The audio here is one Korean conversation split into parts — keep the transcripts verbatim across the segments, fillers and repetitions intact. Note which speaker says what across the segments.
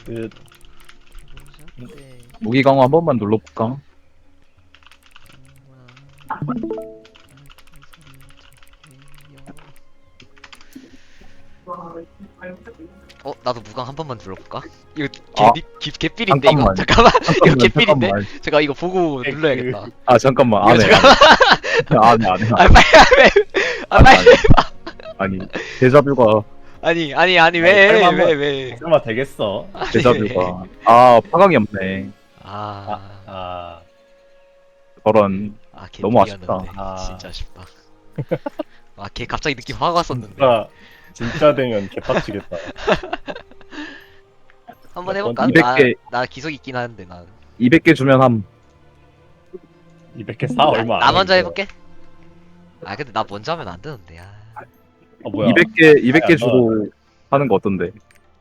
Speaker 1: 끝.
Speaker 2: 네.
Speaker 3: 무기 강화 한 번만 눌러볼까?
Speaker 2: 어 나도 무광 한 번만 눌러볼까? 이거
Speaker 3: 아,
Speaker 2: 개 개, 개삘인데 이거
Speaker 3: 잠깐만.
Speaker 2: 잠깐만 이거
Speaker 3: 잠깐만,
Speaker 2: 개삘인데
Speaker 3: 잠깐만.
Speaker 2: 제가 이거 보고
Speaker 1: 그-
Speaker 2: 눌러야겠다.
Speaker 3: 아 잠깐만
Speaker 2: 이거
Speaker 3: 안해
Speaker 2: 잠깐만
Speaker 3: 안해 안해
Speaker 2: 아 빨리 아 빨리
Speaker 3: 아니 데자뷰가
Speaker 2: 아니 아니 아니
Speaker 1: 아니,
Speaker 2: 왜
Speaker 1: 설마 한번-
Speaker 2: 왜 왜
Speaker 1: 설마 되겠어?
Speaker 3: 데자뷰가 아 파강이 없네
Speaker 2: 아,
Speaker 1: 아,
Speaker 3: 저런
Speaker 2: 아 개
Speaker 3: 너무 아쉽다.
Speaker 1: 아.
Speaker 2: 진짜 아쉽다. 아 걔 갑자기 느낌 확 왔었는데
Speaker 1: 진짜 진짜 되면 개빡치겠다.
Speaker 2: 한번 해볼까?
Speaker 3: 이백
Speaker 2: 나,
Speaker 3: 개.
Speaker 2: 나 기속 있긴 하는데 나
Speaker 3: 이백 개 주면 함
Speaker 1: 이백 개 사 얼마?
Speaker 2: 나
Speaker 1: 안
Speaker 2: 먼저
Speaker 1: 해,
Speaker 2: 해볼게. 아 근데 나 먼저 하면 안 되는데 아.
Speaker 1: 아 뭐야?
Speaker 3: 이백 개 이백 개
Speaker 1: 야,
Speaker 3: 주고 하는 거 어떤데?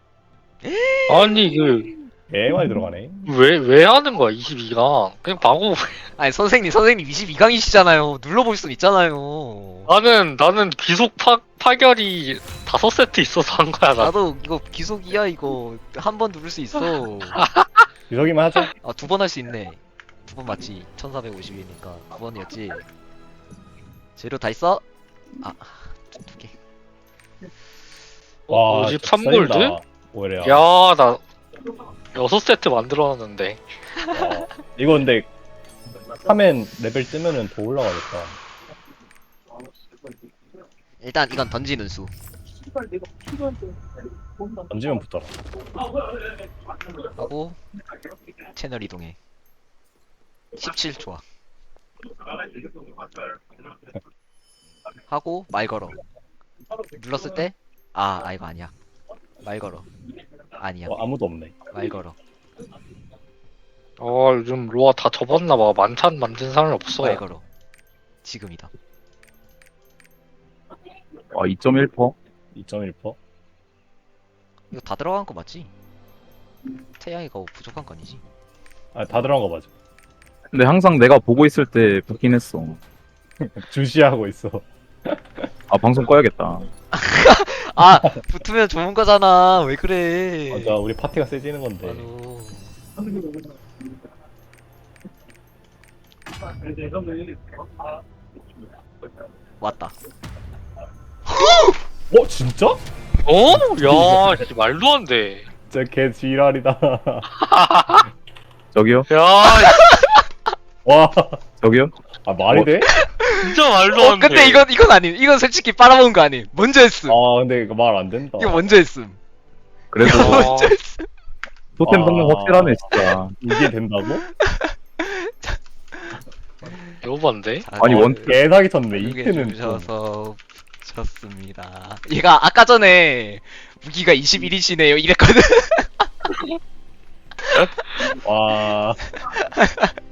Speaker 4: 아니 그
Speaker 1: 개 많이 들어가네.
Speaker 4: 왜 왜 하는 거야 이십이 강 그냥 방어.
Speaker 2: 아니 선생님 선생님 이십이 강이시잖아요. 눌러볼 순 있잖아요.
Speaker 4: 나는 나는 기속 파 파결이 다섯 세트 있어서 한 거야 나.
Speaker 2: 나도 이거 기속이야 이거 한 번 누를 수 있어.
Speaker 1: 유석이만 하자.
Speaker 2: 아 두 번 할 수 있네. 두 번 맞지? 천사백오십이니까 두 번이었지. 재료 다 있어? 아, 두, 두 개.
Speaker 4: 어, 오십삼 골드?
Speaker 1: 오히려.
Speaker 4: 야 나 여섯 세트 만들어놨는데.
Speaker 1: 어, 이거 근데 하면 레벨 뜨면은 더 올라가겠다.
Speaker 2: 일단 이건 던지는 수.
Speaker 1: 던지면 붙더라.
Speaker 2: 하고 채널 이동해. 십칠 좋아. 하고 말 걸어. 눌렀을 때 아, 아 이거 아니야. 말 걸어. 아니야.
Speaker 1: 어, 아무도 없네.
Speaker 2: 말 걸어.
Speaker 4: 어 요즘 로아 다 접었나봐. 만찬 만든 사람이 없어.
Speaker 2: 말 걸어. 지금이다.
Speaker 3: 아 이 점 일 퍼센트?
Speaker 1: 이 점 일 퍼센트.
Speaker 2: 이거 다 들어간 거 맞지? 태양이가 부족한 거 아니지?
Speaker 1: 아, 다 들어간 거 맞아.
Speaker 3: 근데 항상 내가 보고 있을 때 붙긴 했어
Speaker 1: 주시하고 있어.
Speaker 3: 아 방송 꺼야겠다
Speaker 2: 아 붙으면 좋은 거잖아. 왜 그래?
Speaker 1: 맞아, 우리 파티가 세지는 건데.
Speaker 2: 아유. 왔다.
Speaker 1: 어, 진짜?
Speaker 4: 어? 야 씨, 말도 안 돼.
Speaker 1: 진짜 개 지랄이다.
Speaker 3: 저기요?
Speaker 4: 야
Speaker 1: 와,
Speaker 3: 저기요?
Speaker 1: 아 말이
Speaker 3: 어?
Speaker 1: 돼?
Speaker 4: 진짜 말도
Speaker 2: 어
Speaker 4: 안 돼.
Speaker 2: 근데 이건 이건 아님. 이건 솔직히 빨아먹은 거 아님. 먼저 했음.
Speaker 1: 아, 근데 이거 말 안 된다.
Speaker 2: 이거 먼저 했음.
Speaker 3: 그래도
Speaker 2: 이거
Speaker 4: 어.
Speaker 2: 먼저 했음.
Speaker 3: 토템
Speaker 1: 아.
Speaker 3: 성능 확실하네 진짜
Speaker 1: 이게 된다고?
Speaker 4: 배고반데?
Speaker 3: 아니, 원-
Speaker 1: 개사기 쳤네.
Speaker 2: 이게
Speaker 1: 이트는
Speaker 2: 주셔서 붙였습니다. 얘가 아까 전에 무기가 이십일이시네요 이랬거든.
Speaker 1: 와,